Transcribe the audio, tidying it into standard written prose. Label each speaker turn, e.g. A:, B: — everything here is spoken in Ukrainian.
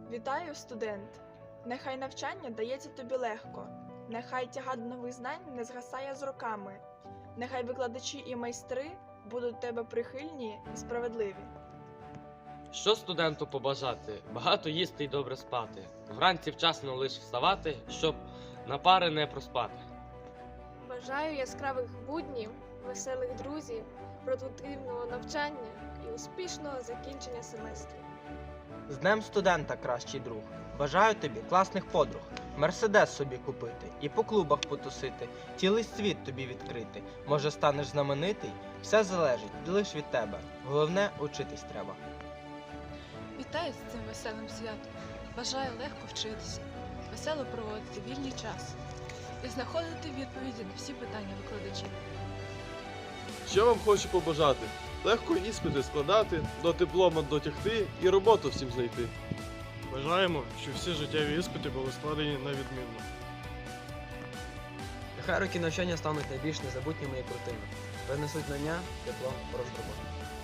A: Вітаю, студент! Нехай навчання дається тобі легко, нехай тяга нових знань не згасає з роками, нехай викладачі і майстри будуть до тебе прихильні і справедливі.
B: Що студенту побажати? Багато їсти й добре спати. Вранці вчасно лиш вставати, щоб на пари не проспати.
C: Бажаю яскравих буднів, веселих друзів, продуктивного навчання і успішного закінчення семестру.
D: З Днем студента, кращий друг! Бажаю тобі класних подруг, мерседес собі купити і по клубах потусити, цілий світ тобі відкрити. Може, станеш знаменитий? Все залежить лиш від тебе. Головне, учитись треба.
E: Вітаю з цим веселим святом. Бажаю легко вчитися, весело проводити вільний час і знаходити відповіді на всі питання викладачів.
F: Що вам хочу побажати? Легко іспити складати, до диплома дотягти і роботу всім знайти.
G: Бажаємо, щоб всі життєві іспити були складені на відмінно.
H: Нехай роки навчання стануть найбільш незабутніми і крутими. Принесуть знання, диплом, хорошу роботу.